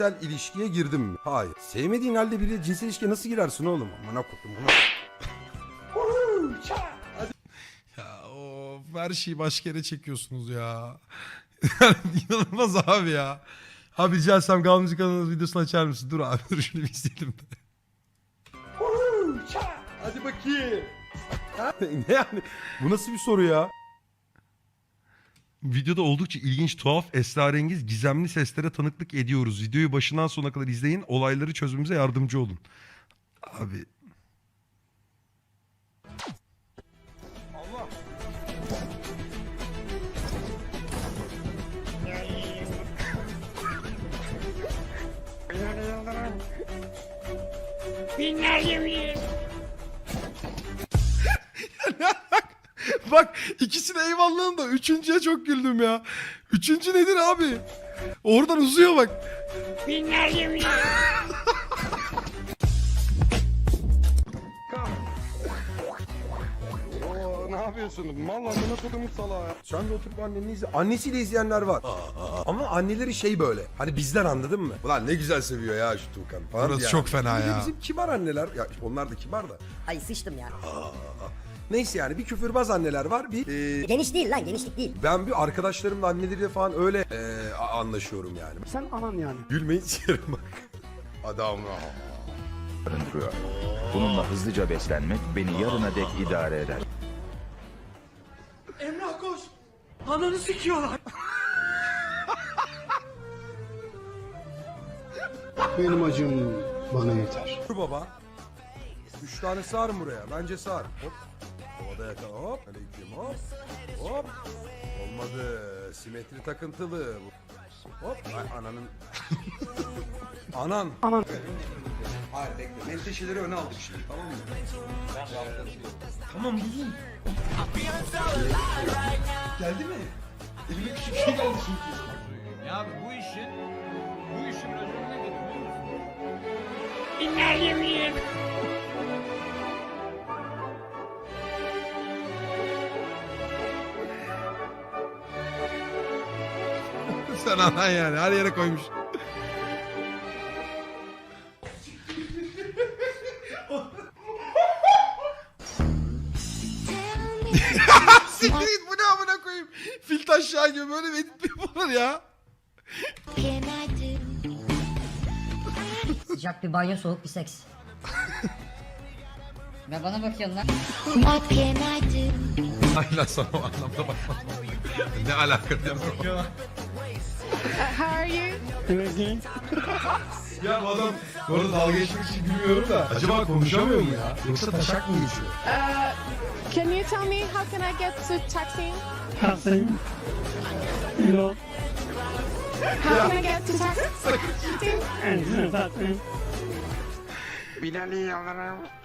ilişkiye girdim mi? Hayır. Sevmediğin halde biriyle cinsel ilişkiye nasıl girersin oğlum? Amına koydum bunu. Ya of, her şeyi başka yere çekiyorsunuz ya. İnanılmaz abi ya. Abi rica etsem Gal Müzik kanalının videosunu açar mısın? Dur abi dur şunu bir izleyelim de. Hadi bakayım. Ne yani? Bu nasıl bir soru ya? Videoda oldukça ilginç, tuhaf, esrarengiz, gizemli seslere tanıklık ediyoruz. Videoyu başından sonuna kadar izleyin. Olayları çözmemize yardımcı olun. Abi. Allah. Bak ikisine eyvallahım da üçüncüye çok güldüm ya. Üçüncü nedir abi? Oradan uzuyor bak. Oo, ne yapıyorsun? Mal amına kodumun salağı ya. Sen de oturup anneni izle. Annesiyle izleyenler var. Ama anneleri şey böyle. Hani bizden anladın mı? Ulan ne güzel seviyor ya şu Tuğkan falan. Burası yani. çok fena Bir de ya. Bizim kibar anneler. Ya onlar da kibar da. Ay sıçtım ya. Neyse yani bir küfürbaz anneler var. Bir Geniş değil lan, genişlik değil. ben bir arkadaşlarımla anneleriyle falan öyle anlaşıyorum yani. Sen anan yani. Gülmeyin sikerim bak. Adam barındırıyor. Bununla hızlıca beslenmek beni yarına dek idare eder. Emrah koş. Ananı sikiyorlar. Benim acım bana yeter. Dur baba. 3 tane sığar buraya. Bence sığar. Hop. Havada yakala. Hop. Aleyküm hop. Hop. Olmadı. Simetri takıntılı. Hop. Ay ananın. Anan. Hayır bekle. Menteşeleri öne aldık şimdi tamam mı? Tamam buldum. Geldi mi? Elime küçük şey geldi çünkü. Ya abi bu işin raconuna geliyor biliyor musun? Sen anan yani her yere koymuş. Siktir git bu ne amına koyayım. Fil taşağı gibi böyle bir edit mi yapılır ya? Sıcak bir banyo, soğuk bir seks. Ve bana bakıyorsun lan. Ay lan sana o anlamda bakma. Ne alaka diye bakıyor. Ya bu adam bu arada dalga geçmek için gülmüyorum da acaba konuşamıyor mu ya? Yoksa taşak mı geçiyor? Can you tell me how can I get to Taksim? Kalsın. Yok. How can I get to Taksim? En zaten. Bilal'i alırım.